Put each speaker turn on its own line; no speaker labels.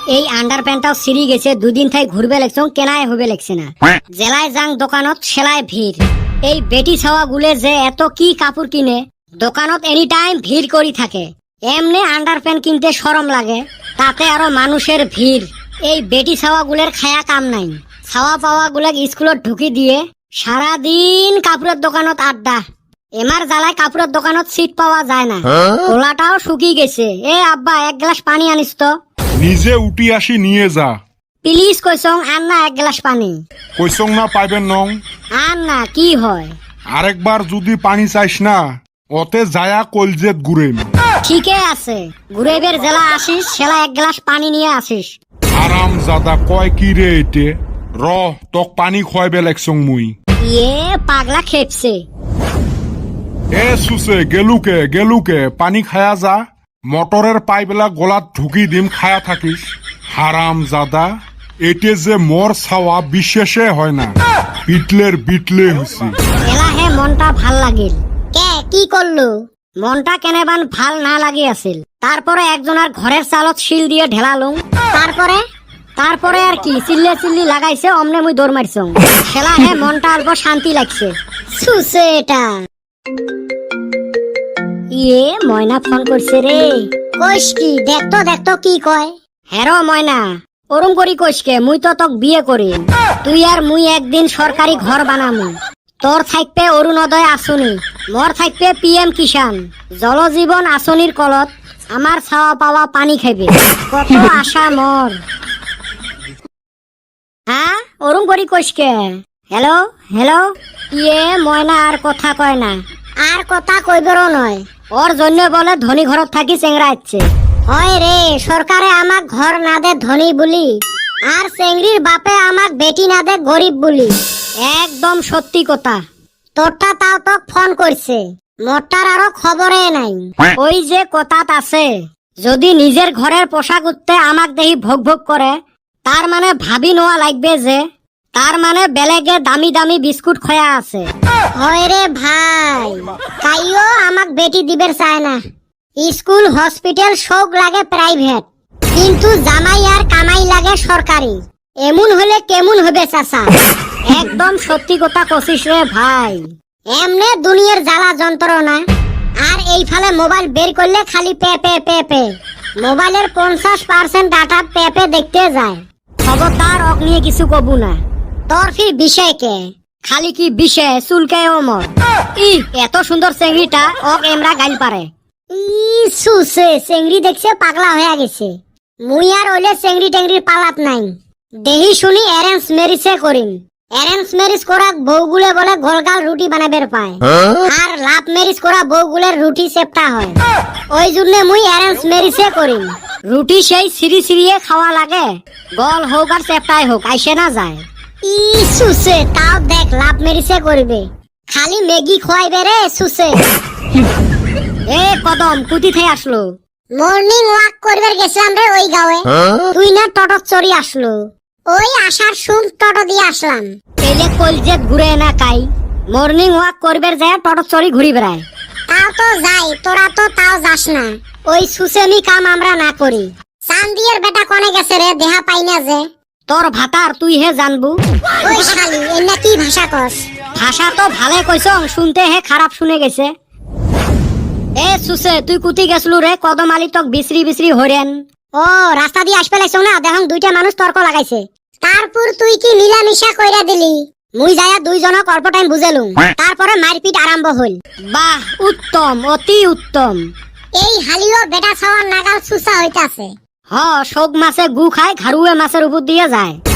এই আন্ডারপ্যান্টটাও সিরি গেছে, দুদিন থাই ঘুরবে লেগছং, কেনায় হবে লেগছে না। জেলায় যাং দোকানত সেলায় ভিড়। এই বেটি ছাওয়া গুলে যে এত কি কাপড় কিনে, দোকানত এনি টাইম ভিড় করি থাকে। এমনি আন্ডারপ্যান্ট কিনতে শরম লাগে, তাতে আরো মানুষের ভিড়। এই বেটি ছাওয়া গুলের খায়া কাম নাই। ছাওয়া পাওয়া গুলাক স্কুলত ঢুকি দিয়ে সারাদিন কাপড়ের দোকানত আড্ডা। এমার জ্বালায় কাপড়ের দোকানত সিট পাওয়া যায় না, ওলাটাও শুকি গেছে। এ আব্বা, এক গ্লাস পানি আনিস তো।
নিজে উঠি আসি নিয়ে যা।
প্লিজ কইসং, আন না এক গ্লাস পানি।
কইসং না পাইবেন নং।
আন না, কি হয়?
আরেকবার যদি পানি চাইস না, ওতে যায়া কলজেত গুড়েম।
ঠিকই আছে, ঘুরেবের জেলা আসিস, সেলা এক গ্লাস পানি নিয়ে আসিস।
আরাম জাদা কয় কি রে এটে। র তোক পানি খোয়াইবে লেগছং মুই।
ইয়ে পাগলা খেপছে।
এ সুসে গেলুকে পানি খায়া যা। মটরের পাইপেলা গলাত ঢুকি দিম, খায়া থাকিস। হারাম জাদা, এটে যে মোর ছাওয়া বিশেষে হয় না, বিটলে হইছি।
এলা হে মনটা ভাল লাগিল। কে কি করলো? মনটা কেনেবান ভাল না লাগি আছিল। তারপরে একজনের ঘরের চালত শিল দিয়ে ঢেলালুম। তারপরে আর কি চিল্লি লাগাইছে, অমনে মুই দৌড় মারছং। খেলা হে মনটা অল্প শান্তি লাগছে। সুসে এটা ইয়ে ময়না ফোন করছে রে। কইস কি? দেখতো কি কয়। হেরো ময়না, ওরম করি কইসকে, মুই তো তোক বিয়ে করি। তুই আর মুই একদিন সরকারি ঘর বানামু। তোর থাকবে অরুণোদয় আঁচনি, মোর থাকবে PM কিষান। জলজীবন আঁচনির কলত আমার ছাওয়া পাওয়া পানি খাইবে। কত আশা মোর। হ্যাঁ, ওরম করি কইসকে। হ্যালো। ইয়ে ময়না আর কথা কয় না। আর কথা কইবেরও নয়, ওর জন্য বলে ধনী ঘরত থাকি চেংরা আচ্ছে। হয় রে, সরকারে আমাক ঘর না দে ধনী বলি, আর চেংড়ির বাপে আমাক বেটি না দে গরিব বলি। একদম সত্যি কথা। তোরটা তাও তোক ফোন করছে, মোরটার আরো খবরে নাই। ওই যে কথাত আছে, যদি নিজের ঘরের পোশাক উঠতে আমাক দেহি ভোগ করে, তার মানে ভাবি নোয়া লাগবে যে, তার মানে বেলেগে দামি বিস্কুট খয়া আছে। হয় রে ভাই, তাইও আমাক বেটি দিবের চায় না। স্কুল হসপিটাল সব লাগে প্রাইভেট, কিন্তু জামাই আর কামাই লাগে সরকারি। এমন হলে কেমন হবে চাচা? একদম সত্যি কথা কছিস রে ভাই। এমনে দুনিয়ার জ্বালা যন্ত্রণা। আর এই ফালে মোবাইল বের করলে খালি পে। মোবাইলের 50% ডাটা পে দেখতে যায়। খবরদার অক নিয়ে কিছু কবু না। তোর ফির বিষয় কে? খালি কি বিষয় চুলকায় ওমর। এত সুন্দর চেংড়িটা ওক এমরা গাইল পারে। সুসে চেংড়ি দেখছে পাগলা হয়ে গেছে। মুই আর ওইলে চেংড়ি টেংড়ির পালাত নাই। দেহি শুনি অ্যারেঞ্জ ম্যারেজে করিম। অ্যারেঞ্জ ম্যারেজ করা বউগুলে বলে গোলগাল রুটি বানাবের পায়, আর লাভ ম্যারেজ করা বউগুলের রুটি চেপটা হয়। ওই জন্য মুই অ্যারেঞ্জ ম্যারেজে করিম। রুটি সেই সিরিয়ে খাওয়া লাগে, গল হোক আর চেপটাই হোক, আইসে না যায়। সুসে তাও দেখ লাভ ম্যারেজে করবে, খালি ম্যাগি খোয়াইবে রে সুসে। এ কদম কুতি থেকে আসলো। মর্নিং ওয়াক করবার গেছিলাম রে ওই গাঁয়ে। তুই না টটক চড়ি আসলো। ওই আসার সুম টটো দিয়ে আসলাম। এলে কলজেত ঘুরে না কাই, মর্নিং ওয়াক করবার যায় টটক চড়ি ঘুরি বেড়ায়। তাও তো যাই, তোরা তো তাও যাস না। ওই সুসেমি কাম আমরা না করি। চান্দিয়ের বেটা কনে গেছে রে, দেহা পাই না যে। তোর ভাতার তুই হে জানবু। ওই শালি এন্না কি ভাষা কস? ভাষা তো ভালে কইছং, শুনতে হে খারাপ শুনে গেছে। এ সুসে, তুই কুতি গেছলু রে? কদম আলী তক বিসরি হরেন। ও রাস্তা দিয়ে আসবে লাগছ না, দেখং দুইটা মানুষ তর্ক লাগাইছে। তারপর তুই কি মিলামিশা কইরা দিলি? মুই যায়া দুইজনক অল্প টাইম বুঝেলুম, তারপরে মারপিট আরম্ভ হইল। বাহ, উত্তম, অতি উত্তম। এই হালিও বেটা ছাওয়ার নাগাল সুসা হইতাছে। হ, শোক মাছে গু খায়, ঘাড়ুয়ে মাছের উপর দিয়ে যায়।